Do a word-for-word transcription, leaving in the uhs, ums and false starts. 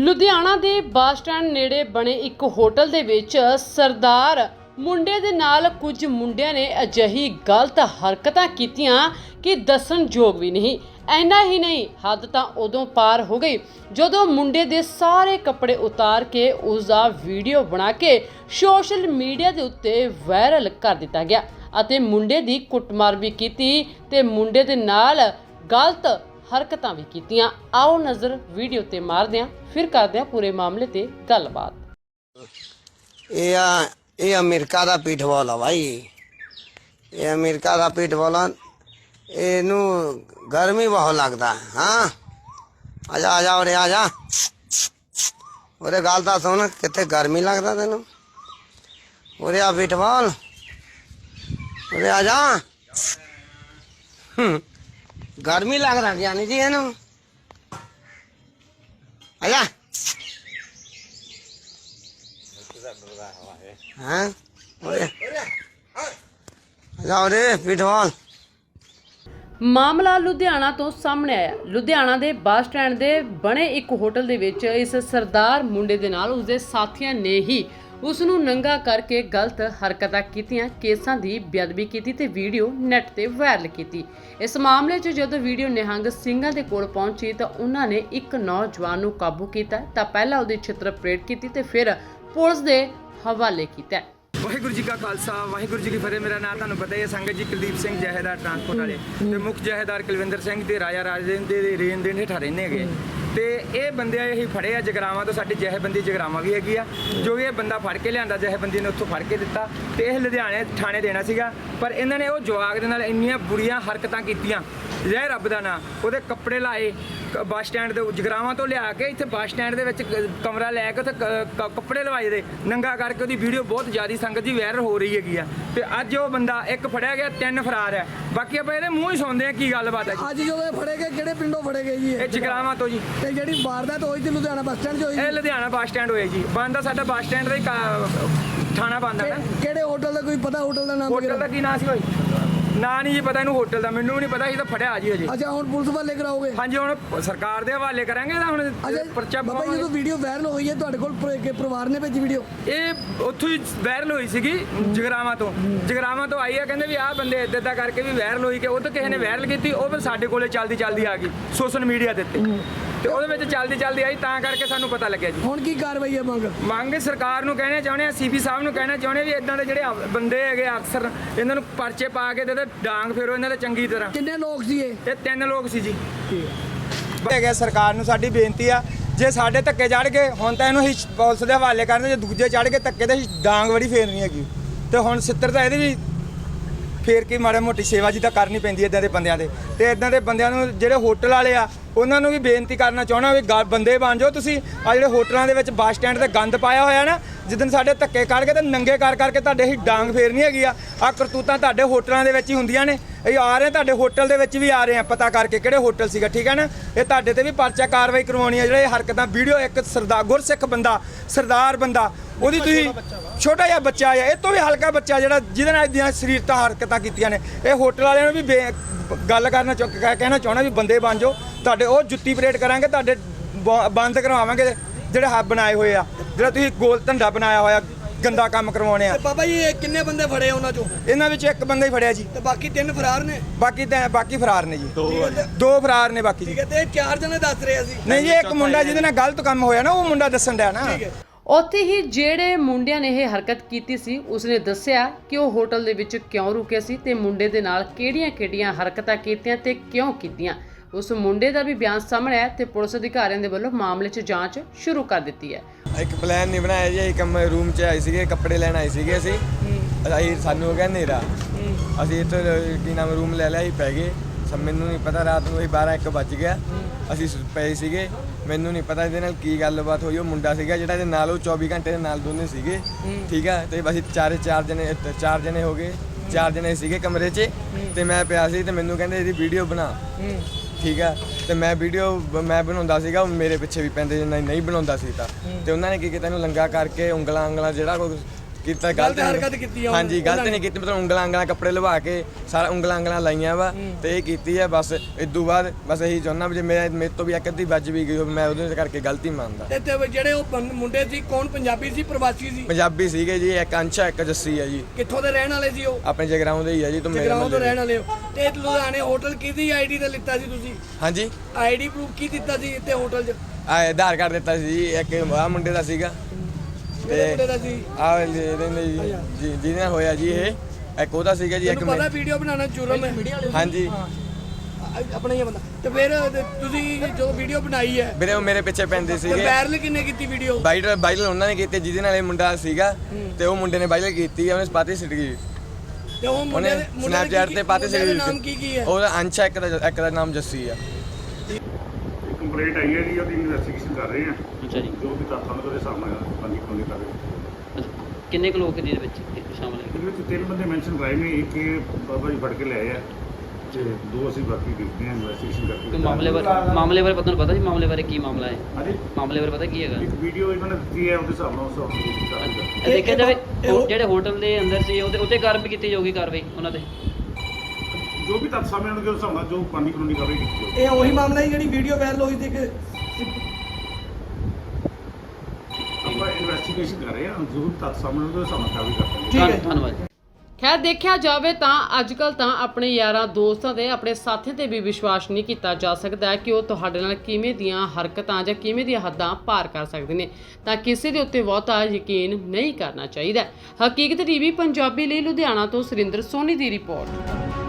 ਲੁਧਿਆਣਾ ਦੇ bus stand ਨੇੜੇ ਬਣੇ ਇੱਕ ਹੋਟਲ ਦੇ ਵਿੱਚ ਸਰਦਾਰ ਮੁੰਡੇ ਦੇ ਨਾਲ ਕੁਝ ਮੁੰਡਿਆਂ ਨੇ ਅਜਿਹੀ ਗਲਤ ਹਰਕਤਾਂ ਕੀਤੀਆਂ ਕਿ ਦੱਸਣਯੋਗ ਵੀ ਨਹੀਂ। ਐਨਾ ਹੀ ਨਹੀਂ, ਹੱਦ ਤਾਂ ਉਦੋਂ ਪਾਰ ਹੋ ਗਈ ਜਦੋਂ ਮੁੰਡੇ ਦੇ ਸਾਰੇ ਕੱਪੜੇ ਉਤਾਰ ਕੇ ਉਸ ਦਾ ਵੀਡੀਓ ਬਣਾ ਕੇ ਸੋਸ਼ਲ ਮੀਡੀਆ ਦੇ ਉੱਤੇ ਵਾਇਰਲ ਕਰ ਦਿੱਤਾ ਗਿਆ ਅਤੇ ਮੁੰਡੇ ਦੀ ਕੁੱਟਮਾਰ ਵੀ ਕੀਤੀ ਤੇ ਮੁੰਡੇ ਦੇ ਨਾਲ ਗਲਤ ਹਰਕਤਾਂ ਵੀ ਕੀਤੀਆਂ। आओ नज़र वीडियो ते मारदे हां, फिर करदे हां पूरे मामले ते गलबात। ये ये अमेरिका दा पिटबॉल है भाई, ये अमेरिका दा पिटबॉल इनू गर्मी बहुत लगता है। हाँ आजा आजा उरे आजा उरे गल तो सुन, कितने गर्मी लगता तेन उरे आ पिटबॉल उरे आजा। गर्मी लग रहा जानी जी है ना, आजा। हाँ आजा उरे पिटबॉल। ਮਾਮਲਾ ਲੁਧਿਆਣਾ ਤੋਂ ਸਾਹਮਣੇ ਆਇਆ। ਲੁਧਿਆਣਾ ਦੇ ਬੱਸ ਸਟੈਂਡ ਦੇ ਬਣੇ ਇੱਕ ਹੋਟਲ ਦੇ ਵਿੱਚ ਇਸ ਸਰਦਾਰ ਮੁੰਡੇ ਦੇ ਨਾਲ ਉਸਦੇ ਸਾਥੀਆਂ ਨੇ ਹੀ ਉਸ ਨੂੰ ਨੰਗਾ ਕਰਕੇ ਗਲਤ ਹਰਕਤਾਂ ਕੀਤੀਆਂ, ਕੇਸਾਂ ਦੀ ਬੇਅਦਬੀ ਕੀਤੀ ਤੇ ਵੀਡੀਓ ਨੈੱਟ ਤੇ ਵਾਇਰਲ ਕੀਤੀ। ਇਸ ਮਾਮਲੇ 'ਚ ਜਦੋਂ ਵੀਡੀਓ ਨਿਹੰਗ ਸਿੰਘਾਂ ਦੇ ਕੋਲ ਪਹੁੰਚੀ ਤਾਂ ਉਹਨਾਂ ਨੇ ਇੱਕ ਨੌਜਵਾਨ ਨੂੰ ਕਾਬੂ ਕੀਤਾ ਤਾਂ ਪਹਿਲਾਂ ਉਹਦੀ ਛਿੱਤਰ ਪਰੇਡ ਕੀਤੀ ਤੇ ਫਿਰ ਪੁਲਿਸ ਦੇ ਹਵਾਲੇ ਕੀਤਾ। ਵਾਹਿਗੁਰੂ ਜੀ ਕਾ ਖਾਲਸਾ ਵਾਹਿਗੁਰੂ ਜੀ ਕੀ ਫਤਿਹ। ਮੇਰਾ ਨਾਮ ਤੁਹਾਨੂੰ ਪਤਾ ਹੀ ਹੈ, ਸੰਗਤ ਜੀ ਕੁਲਦੀਪ ਸਿੰਘ ਜਹੇਦਾਰ ਟਰਾਂਸਪੋਰਟ ਵਾਲੇ ਤੇ ਮੁੱਖ ਜਹੇਦਾਰ ਕੁਲਵਿੰਦਰ ਸਿੰਘ ਤੇ ਰਾਜਾ ਰਾਜੇਨ ਦੇ ਰੇਨ ਦੇ ਹੇਠਾਂ ਰਹਿੰਦੇ ਹੈਗੇ ਤੇ ਇਹ ਬੰਦੇ ਇਹ ਫੜੇ ਆ ਜਗਰਾਵਾਂ ਤੋਂ। ਸਾਡੀ ਜਹੇਬੰਦੀ ਜਗਰਾਵਾਂ ਵੀ ਹੈਗੀ ਆ, ਜੋ ਇਹ ਬੰਦਾ ਫੜ ਕੇ ਲਿਆਂਦਾ ਜਹੇਬੰਦੀ ਨੇ ਉੱਥੋਂ ਫੜ ਕੇ ਦਿੱਤਾ ਤੇ ਇਹ ਲੁਧਿਆਣੇ ਥਾਣੇ ਦੇਣਾ ਸੀਗਾ, ਪਰ ਇਹਨਾਂ ਨੇ ਉਹ ਜਵਾਕ ਦੇ ਨਾਲ ਇੰਨੀਆਂ ਬੁਰੀਆਂ ਹਰਕਤਾਂ ਕੀਤੀਆਂ। ਜੈ ਰੱਬ ਦਾ ਨਾਂ, ਉਹਦੇ ਕੱਪੜੇ ਲਾਏ ਬੱਸ ਸਟੈਂਡ ਦੇ ਜਗਰਾਵਾਂ ਤੋਂ ਲਿਆ ਕੇ ਇੱਥੇ ਬੱਸ ਸਟੈਂਡ ਦੇ ਵਿੱਚ ਕਮਰਾ ਲੈ ਕੇ ਉੱਥੇ ਕੱਪੜੇ ਲਵਾਏ ਦੇ ਨੰਗਾ ਕਰਕੇ ਉਹਦੀ ਵੀਡੀਓ ਬਹੁਤ ਜ਼ਿਆਦਾ ਸੰਗਤ ਜੀ ਵਾਇਰਲ ਹੋ ਰਹੀ ਹੈਗੀ ਆ। ਤੇ ਅੱਜ ਉਹ ਬੰਦਾ ਇੱਕ ਫੜਿਆ ਗਿਆ, ਤਿੰਨ ਫਰਾਰ ਹੈ। ਬਾਕੀ ਆਪਾਂ ਇਹਦੇ ਮੂੰਹ ਹੀ ਸੁਣਦੇ ਆ ਕੀ ਗੱਲਬਾਤ ਹੈ। ਅੱਜ ਜਦੋਂ ਇਹ ਫੜੇ ਗਏ ਕਿਹੜੇ ਪਿੰਡੋਂ ਫੜੇ ਗਏ ਜੀ? ਇਹ ਜਗਰਾਵਾਂ ਤੋਂ ਜੀ। ਤੇ ਜਿਹੜੀ ਵਾਰਦਾਤ ਹੋਈ ਸੀ ਲੁਧਿਆਣਾ ਬੱਸ ਸਟੈਂਡ 'ਚ ਹੋਈ? ਇਹ ਲੁਧਿਆਣਾ ਬੱਸ ਸਟੈਂਡ ਹੋਇਆ ਜੀ। ਬੰਦਾ ਸਾਡਾ ਬੱਸ ਸਟੈਂਡ ਦਾ ਹੀ ਥਾਣਾ ਬੰਦਾ ਨਾ। ਕਿਹੜੇ ਹੋਟਲ ਦਾ, ਕੋਈ ਪਤਾ ਹੋਟਲ ਦਾ ਨਾਮ? ਹੋਟਲ ਦਾ ਕੀ ਨਾਂ ਸੀ ਹੋਈ? ਨਾ ਨਹੀਂ ਜੀ ਪਤਾ ਇਹਨੂੰ ਹੋਟਲ ਦਾ, ਮੈਨੂੰ ਵੀ ਨਹੀਂ ਪਤਾ। ਇਹ ਤਾਂ ਫੜਿਆ ਜੀ ਹਜੇ। ਅੱਛਾ, ਹੁਣ ਪੁਲਿਸ ਵਾਲੇ ਕਰਾਓਗੇ? ਹਾਂਜੀ, ਹੁਣ ਸਰਕਾਰ ਦੇ ਹਵਾਲੇ ਕਰਾਂਗੇ ਤਾਂ ਹੁਣ ਪਰਚਾ ਬਾਬਾ ਜੀ, ਜਦੋਂ ਵੀਡੀਓ ਵਾਇਰਲ ਹੋਈ ਹੈ ਤੁਹਾਡੇ ਕੋਲ ਪਰਿਵਾਰ ਨੇ ਭੇਜੀ ਵੀਡੀਓ? ਇਹ ਉੱਥੋਂ ਹੀ ਵਾਇਰਲ ਹੋਈ ਸੀਗੀ ਜਗਰਾਵਾਂ ਤੋਂ। ਜਗਰਾਵਾਂ ਤੋਂ ਆਈ ਆ, ਕਹਿੰਦੇ ਵੀ ਆਹ ਬੰਦੇ ਇੱਦਾਂ ਇੱਦਾਂ ਕਰਕੇ ਵੀ ਵਾਇਰਲ ਹੋਈ ਕਿ ਉਹ ਤਾਂ ਕਿਸੇ ਨੇ ਵਾਇਰਲ ਕੀਤੀ, ਉਹ ਫਿਰ ਸਾਡੇ ਕੋਲੇ ਚੱਲਦੀ ਚੱਲਦੀ ਆ ਗਈ ਸੋਸ਼ਲ ਮੀਡੀਆ ਦੇ ਉੱਤੇ ਤੇ ਉਹਦੇ ਵਿੱਚ ਚੱਲਦੀ ਚੱਲਦੀ ਆਈ, ਤਾਂ ਕਰਕੇ ਸਾਨੂੰ ਪਤਾ ਲੱਗਿਆ ਜੀ। ਹੁਣ ਕੀ ਕਾਰਵਾਈ ਹੈ ਮੰਗ? ਮੰਗ ਸਰਕਾਰ ਨੂੰ ਕਹਿਣਾ ਚਾਹੁੰਦੇ ਆ, ਸੀਪੀ ਸਾਹਿਬ ਨੂੰ ਕਹਿਣਾ ਚਾਹੁੰਦੇ ਵੀ ਇਦਾਂ ਦੇ ਜਿਹੜੇ ਬੰਦੇ ਹੈਗੇ ਅਫਸਰ, ਇਹਨਾਂ ਨੂੰ ਪਰਚੇ ਪਾ ਕੇ ਤੇ ਡਾਂਗ ਫੇਰੋ ਇਹਨਾਂ ਦੇ ਚੰਗੀ ਤਰ੍ਹਾਂ। ਕਿੰਨੇ ਲੋਕ ਸੀ ਇਹ? ਇਹ ਤਿੰਨ ਲੋਕ ਸੀ ਜੀ। ਹੈਗੇ ਸਰਕਾਰ ਨੂੰ ਸਾਡੀ ਬੇਨਤੀ ਆ, ਜੇ ਸਾਡੇ ਧੱਕੇ ਚੜ੍ਹ ਗਏ ਹੁਣ ਤਾਂ ਇਹਨੂੰ ਅਸੀਂ ਪੁਲਿਸ ਦੇ ਹਵਾਲੇ ਕਰਨੇ, ਜੇ ਦੂਜੇ ਚੜ੍ਹ ਗਏ ਧੱਕੇ ਤੇ ਡਾਂਗ ਬੜੀ ਫੇਰਨੀ ਹੈਗੀ ਤੇ ਹੁਣ ਸਿੱਤਰ ਤਾਂ ਇਹਦੀ ਵੀ ਫੇਰ ਕੇ ਮਾੜਾ ਮੋਟੀ ਸੇਵਾ ਜੀ ਤਾਂ ਕਰਨੀ ਪੈਂਦੀ ਇਦਾਂ ਦੇ ਬੰਦਿਆਂ ਦੇ। ਤੇ ਇਦਾਂ ਦੇ ਬੰਦਿਆਂ ਨੂੰ ਜਿਹੜੇ ਹੋਟਲ ਵਾਲੇ ਆ ਉਹਨਾਂ ਨੂੰ ਵੀ ਬੇਨਤੀ ਕਰਨਾ ਚਾਹੁੰਦਾ ਵੀ ਬੰਦੇ ਬਣ ਜਾਓ ਤੁਸੀਂ। ਆ ਜਿਹੜੇ ਹੋਟਲਾਂ ਦੇ ਵਿੱਚ ਬੱਸ ਸਟੈਂਡ ਤੇ ਗੰਦ ਪਾਇਆ ਹੋਇਆ ਨਾ, ਜਿੱਦਣ ਸਾਡੇ ਧੱਕੇ ਕਰਕੇ ਤੇ ਨੰਗੇ ਕਰ ਕਰਕੇ ਤੁਹਾਡੇ ਹੀ ਡਾਂਗ ਫੇਰਨੀ ਹੈਗੀ ਆ। ਆ ਕਰਤੂਤਾਂ ਤੁਹਾਡੇ ਹੋਟਲਾਂ ਦੇ ਵਿੱਚ ਹੀ ਹੁੰਦੀਆਂ ਨੇ। ਇਹ ਆ ਰਹੇ ਤੁਹਾਡੇ ਹੋਟਲ ਦੇ ਵਿੱਚ ਵੀ ਆ ਰਹੇ ਆ, ਪਤਾ ਕਰਕੇ ਕਿਹੜੇ ਹੋਟਲ ਸੀਗਾ, ਠੀਕ ਹੈ ਨਾ। ਇਹ ਤੁਹਾਡੇ ਤੇ ਵੀ ਪਰਚਾ ਕਾਰਵਾਈ ਕਰਵਾਉਣੀ ਹੈ। ਜਿਹੜੇ ਹਰਕਤਾਂ ਵੀਡੀਓ ਇੱਕ ਸਰਦਾਰ ਗੁਰਸਿੱਖ ਬੰਦਾ ਸਰਦਾਰ ਬੰਦਾ ਉਹਦੀ ਤੁਸੀਂ ਛੋਟਾ ਜਿਹਾ ਬੱਚਾ ਆ, ਇਹ ਤੋਂ ਵੀ ਹਲਕਾ ਬੱਚਾ ਜਿਹੜਾ ਜਿਹਦੇ ਨਾਲ ਦੀਆਂ ਸਰੀਰਤਾ ਹਰਕਤਾਂ ਕੀਤੀਆਂ ਨੇ। ਇਹ ਹੋਟਲ ਵਾਲਿਆਂ ਨੂੰ ਵੀ ਗੱਲ ਕਰਨਾ ਕਹਿਣਾ ਚਾਹੁੰਦਾ ਵੀ ਬੰਦੇ ਬਣ ਜਾਓ। ਤੁਹਾਡੇ ਉਹ ਜੁੱਤੀ ਪਰੇਡ ਕਰਾਂਗੇ, ਤੁਹਾਡੇ ਬੰਦ ਕਰਵਾਵਾਂਗੇ ਜਿਹੜੇ ਹੱਬ ਬਣਾਏ ਹੋਏ ਆ, ਜਿਹੜਾ ਤੁਸੀਂ ਗੋਲ ਧੰਦਾ ਬਣਾਇਆ ਹੋਇਆ ਗੰਦਾ ਕੰਮ ਕਰਵਾਉਣੇ ਆ। ਬਾਬਾ ਜੀ, ਇਹ ਕਿੰਨੇ ਬੰਦੇ ਫੜੇ ਉਹਨਾਂ ਚੋਂ? ਇਹਨਾਂ ਵਿੱਚ ਇੱਕ ਬੰਦਾ ਹੀ ਫੜਿਆ ਜੀ ਤੇ ਬਾਕੀ ਤਿੰਨ ਫਰਾਰ ਨੇ? ਬਾਕੀ ਤਾਂ ਬਾਕੀ ਫਰਾਰ ਨੇ ਜੀ, ਦੋ ਫਰਾਰ ਨੇ ਬਾਕੀ ਜੀ। ਠੀਕ ਹੈ, ਤੇ ਚਾਰ ਜਣੇ ਦੱਸ ਰਹੇ ਸੀ? ਨਹੀਂ ਜੀ, ਇੱਕ ਮੁੰਡਾ ਜਿਹਦੇ ਨਾਲ ਗਲਤ ਕੰਮ ਹੋਇਆ ਨਾ, ਉਹ ਮੁੰਡਾ ਦੱਸਣ ਡਿਆ ਨਾ। ਉੱਥੇ ਹੀ ਜਿਹੜੇ ਮੁੰਡਿਆਂ ਨੇ ਇਹ ਹਰਕਤ ਕੀਤੀ ਸੀ ਉਸਨੇ ਦੱਸਿਆ ਕਿ ਉਹ ਹੋਟਲ ਦੇ ਵਿੱਚ ਕਿਉਂ ਰੁਕੇ ਸੀ ਤੇ ਮੁੰਡੇ ਦੇ ਨਾਲ ਕਿਹੜੀਆਂ-ਕਿਹੜੀਆਂ ਹਰਕਤਾਂ ਕੀਤੀਆਂ ਤੇ ਕਿਉਂ ਕੀਤੀਆਂ। ਉਸ ਮੁੰਡੇ ਦਾ ਵੀ ਬਿਆਨ ਸਾਹਮਣੇ ਆਇਆ ਤੇ ਪੁਲਿਸ ਅਧਿਕਾਰੀਆਂ ਦੇ ਵੱਲੋਂ ਮਾਮਲੇ 'ਚ ਜਾਂਚ ਸ਼ੁਰੂ ਕਰ ਦਿੱਤੀ ਹੈ। ਇੱਕ ਪਲਾਨ ਨਹੀਂ ਬਣਾਇਆ ਜੀ, ਇੱਕ ਰੂਮ 'ਚ ਆਏ ਸੀਗੇ, ਕੱਪੜੇ ਲੈਣ ਆਏ ਸੀਗੇ ਅਸੀਂ ਅਸੀਂ ਸਾਨੂੰ ਹੋ ਗਿਆ ਹਨੇਰਾ, ਅਸੀਂ ਇੱਥੇ ਕੀ ਨਾਮ ਰੂਮ ਲੈ ਲਿਆ, ਅਸੀਂ ਪੈ ਗਏ। ਮੈਨੂੰ ਨਹੀਂ ਪਤਾ, ਰਾਤ ਨੂੰ ਅਸੀਂ ਬਾਰਾਂ ਇੱਕ ਵੱਜ ਗਿਆ, ਅਸੀਂ ਪਏ ਸੀਗੇ। ਮੈਨੂੰ ਨਹੀਂ ਪਤਾ ਇਹਦੇ ਨਾਲ ਕੀ ਗੱਲਬਾਤ ਹੋਈ। ਉਹ ਮੁੰਡਾ ਸੀਗਾ ਜਿਹੜਾ ਇਹਦੇ ਨਾਲ, ਉਹ ਚੌਵੀ ਘੰਟੇ ਦੇ ਨਾਲ ਦੋਨੇ ਸੀਗੇ, ਠੀਕ ਆ। ਤੇ ਅਸੀਂ ਚਾਰੇ ਚਾਰ ਜਣੇ ਚਾਰ ਜਣੇ ਹੋ ਗਏ, ਚਾਰ ਜਣੇ ਸੀਗੇ ਕਮਰੇ 'ਚ ਤੇ ਮੈਂ ਪਿਆ ਸੀ ਤੇ ਮੈਨੂੰ ਕਹਿੰਦੇ ਇਹਦੀ ਵੀਡੀਓ ਬਣਾ, ਠੀਕ ਆ। ਤੇ ਮੈਂ ਵੀਡੀਓ ਮੈਂ ਬਣਾਉਂਦਾ ਸੀਗਾ, ਮੇਰੇ ਪਿੱਛੇ ਵੀ ਪੈਂਦੇ ਨਹੀਂ ਨਹੀਂ ਬਣਾਉਂਦਾ ਸੀ ਤਾਂ। ਤੇ ਉਹਨਾਂ ਨੇ ਕੀ ਕੀਤਾ, ਇਹਨੂੰ ਲੰਗਾ ਕਰਕੇ ਉਂਗਲਾਂ ਉਂਗਲਾਂ ਜਿਹੜਾ ਕੋਈ ਕੀਤਾ ਗਲਤ ਗਲਤ ਹਰਕਤ ਕੀਤੀ ਆ ਹਾਂਜੀ ਉਹਨਾਂ ਗਲਤ ਨੇ। ਨਹੀਂ ਕੀਤੀ, ਮਤਲਬ ਉਂਗਲਾਂ ਉਂਗਲਾਂ ਕੱਪੜੇ ਲਵਾ ਕੇ ਸਾਰਾ ਉਂਗਲਾਂ ਉਂਗਲਾਂ ਲਾਈਆਂ ਵਾ ਤੇ ਇਹ ਕੀਤੀ ਹੈ ਬਸ। ਇਦੋਂ ਬਾਅਦ ਬਸ ਇਹੀ ਚਾਹੁੰਦਾ ਵੀ ਜੇ ਮੇਰੇ ਮੇਰੇ ਤੋਂ ਵੀ ਇੱਕ ਅੱਧੀ ਵੱਜ ਵੀ ਗਈ ਹੋਵੇ ਮੈਂ ਉਹਦੇ ਕਰਕੇ ਗਲਤੀ ਮੰਨਦਾ। ਤੇ ਤੇ ਜਿਹੜੇ ਉਹ ਬੰ- ਮੁੰਡੇ ਸੀ ਕੌਣ ਪੰਜਾਬੀ ਸੀ ਪ੍ਰਵਾਸੀ ਸੀ ਪੰਜਾਬੀ ਸੀਗੇ ਜੀ, ਇੱਕ ਅੰਸ਼ਾ ਇੱਕ ਜੱਸੀ ਹੈ ਜੀ, ਕਿੱਥੋਂ ਦੇ ਰਹਿਣ ਵਾਲੇ ਸੀ ਉਹ ਆਪਣੇ ਜਗਰਾਉਂ ਦੇ ਹੀ ਆ ਜੀ। ਤੋਂ ਮੇਰੇ ਜਗਰਾਉਂ ਤੋਂ ਮਹੱਲੇ ਰਹਿਣ ਵਾਲੇ ਹੋ ਤੇ ਲੁਧਿਆਣੇ ਹੋਟਲ ਕਿਹਦੀ ਆਈਡੀ ਤੇ ਲਿੱਤਾ ਸੀ ਤੁਸੀਂ ਹਾਂਜੀ ਆਈਡੀ ਪ੍ਰੂਫ ਕੀ ਦਿੱਤਾ ਸੀ ਇੱਥੇ ਹੋਟਲ 'ਚ ਆ ਆਧਾਰ ਕਾਰਡ ਦਿੱਤਾ ਸੀ ਜੀ, ਇੱਕ ਆ ਮੁੰਡੇ ਦਾ ਸੀਗਾ ਕਿਹੜੇ ਮੁੰਡੇ ਦਾ ਸੀ ਆ ਰਹਿੰਦੇ ਜੀ ਜੀ ਜਿਹਦੇ ਨਾਲ ਹੋਇਆ ਜੀ ਇਹ ਇੱਕ ਉਹਦਾ ਸੀਗਾ ਜੀ, ਇੱਕ ਤੁਹਾਨੂੰ ਪਤਾ ਮੈਂ- ਵੀਡੀਓ ਬਣਾਉਣਾ ਜੁਰਮ ਹੈ ਹਾਂਜੀ ਅ- ਆਪਣਾ ਹੀ ਆ ਬੰਦਾ ਤੇ ਫਿਰ ਤੁਸੀਂ ਜੋ ਵੀਡੀਓ ਬਣਾਈ ਹੈ ਵੀਰੇ ਉਹ ਮੇਰੇ ਪਿੱਛੇ ਪੈਂਦੇ ਤੇ ਸੀਗੇ। ਵਾਇਰਲ ਕਿੰਨੇ ਕੀਤੀ ਵੀਡੀਓ ਵਾਇਰਲ ਵਾਇਰਲ ਉਹਨਾਂ ਨੇ ਕੀਤੀ ਜਿਹਦੇ ਨਾਲ ਇਹ ਮੁੰਡਾ ਸੀਗਾ ਤੇ ਉਹ ਮੁੰਡੇ ਨੇ ਵਾਇਰਲ ਕੀਤੀ, ਉਹਨੇ ਪਾਤੀ ਸਿੱਟ ਗਈ, ਤੇ ਉਹ ਮੁੰਡੇ ਉਹਨੇ ਦੇ ਮੁੰਡੇ ਦਾ ਸਨੈਪਚੈਟ ਕੀ- ਤੇ ਪਾਤੀ ਮੁੰਡੇ ਦਾ ਸਿੱਟ ਨਾਮ ਕੀ ਕੀ ਹੈ ਉਹਦਾ ਅੰਸ਼ਾ ਇੱਕ ਦਾ ਇੱਕ ਦਾ ਨਾਮ ਜੱਸੀ ਆ। ਕੰਪਲੇਂਟ ਆਈ ਹੈ ਜੀ, ਉਹਦੀ ਇਨਵੈਸਟੀਗੇਸ਼ਨ ਕਰ ਰਹੇ ਆ ਅੱਛਾ ਜੀ। ਜੋ ਵੀ ਤੱਥਾਂ ਨੂੰ ਉਹਦੇ ਸਾਹਮਣੇ ਪੰਜੀ ਖੋਲੇ ਕਰ ਰਹੇ ਆ। ਅੱਛਾ, ਕਿੰਨੇ ਕੁ ਲੋਕ ਇਹਦੇ ਵਿੱਚ ਸ਼ਾਮਲ ਹੈ? ਇਹਦੇ ਵਿੱਚ ਤਿੰਨ ਬੰਦੇ ਮੈਂਸ਼ਨ ਕਰਾਏ ਨੇ, ਇੱਕ ਇਹ ਬਾਬਾ ਜੀ ਫੜ ਕੇ ਲਿਆਏ ਆ ਤੇ ਦੋ ਅਸੀਂ ਬਾਕੀ ਦੇਖਦੇ ਆ ਇਨਵੈਸਟੀਗੇਸ਼ਨ ਕਰਕੇ। ਕੋਈ ਮਾਮਲੇ ਬਾਰੇ ਮਾਮਲੇ ਬਾਰੇ ਪਤਾ ਨੂੰ ਪਤਾ ਜੀ ਮਾਮਲੇ ਬਾਰੇ ਕੀ ਮਾਮਲਾ ਹੈ? ਹਾਂਜੀ, ਮਾਮਲੇ ਬਾਰੇ ਪਤਾ ਕੀ ਹੈਗਾ? ਇੱਕ ਵੀਡੀਓ ਇਹਨਾਂ ਨੇ ਦਿੱਤੀ ਹੈ, ਉਹਦੇ ਹਿਸਾਬ ਨਾਲ ਉਸ ਹਿਸਾਬ ਨਾਲ ਕਰਾਂਗੇ। ਇਹ ਦੇਖਿਆ ਜਾਵੇ ਇਹ ਉਹ- ਜਿਹੜੇ ਹੋਟਲ ਦੇ ਅੰਦਰ ਸੀ ਉਹਦੇ ਉੱਤੇ ਕਾਰਵਾਈ ਕੀਤੀ ਜਾਊਗੀ, ਕਾਰਵਾਈ ਉਹਨਾਂ ਤੇ। ਜੋ ਵੀ ਤੱਥ ਸਾਹਮਣੇ ਆਉਣਗੇ ਉਸ ਹਿਸਾਬ ਨਾਲ ਜੋ ਪੰਜੀ ਕਾਨੂੰਨੀ ਕਾਰਵਾਈ ਕੀਤੀ ਜਾਊਗੀ। ਇਹ ਉਹੀ ਮਾਮਲਾ ਹੈ ਜਿਹੜੀ ਵੀਡੀਓ ਵਾਇਰਲ ਹੋਈ ਸੀ ਕਿ ਆਪਾਂ ਇਨਵੈਸਟੀਗੇਸ਼ਨ ਕਰ ਰਹੇ ਆ, ਜੋ ਵੀ ਤੱਥ ਸਾਹਮਣੇ ਆਉਣਗੇ ਉਸ ਹਿਸਾਬ ਨਾਲ ਕਾਰਵਾਈ ਕਰਾਂਗੇ। ਠੀਕ ਹੈ। ਧੰਨ- ਧੰਨਵਾਦ। ਖੈਰ ਦੇਖਿਆ ਜਾਵੇ ਤਾਂ ਅੱਜ ਕੱਲ੍ਹ ਤਾਂ ਆਪਣੇ ਯਾਰਾਂ ਦੋਸਤਾਂ ਤੇ ਆਪਣੇ ਸਾਥੀਆਂ ਤੇ ਵੀ ਵਿਸ਼ਵਾਸ ਨਹੀਂ ਕੀਤਾ ਜਾ ਸਕਦਾ ਕਿ ਉਹ ਤੁਹਾਡੇ ਨਾਲ ਕਿਵੇਂ ਦੀਆਂ ਹਰਕਤਾਂ ਜਾਂ ਕਿਵੇਂ ਦੀਆਂ ਹੱਦਾਂ ਪਾਰ ਕਰ ਸਕਦੇ ਨੇ, ਤਾਂ ਕਿਸੇ ਦੇ ਉੱਤੇ ਬਹੁਤਾ ਯਕੀਨ ਨਹੀਂ ਕਰਨਾ ਚਾਹੀਦਾ। ਹਕੀਕਤ ਟੀਵੀ ਪੰਜਾਬੀ ਲਈ ਲੁਧਿਆਣਾ ਤੋਂ ਸੁਰਿੰਦਰ ਸੋਨੀ ਦੀ ਰਿਪੋਰਟ।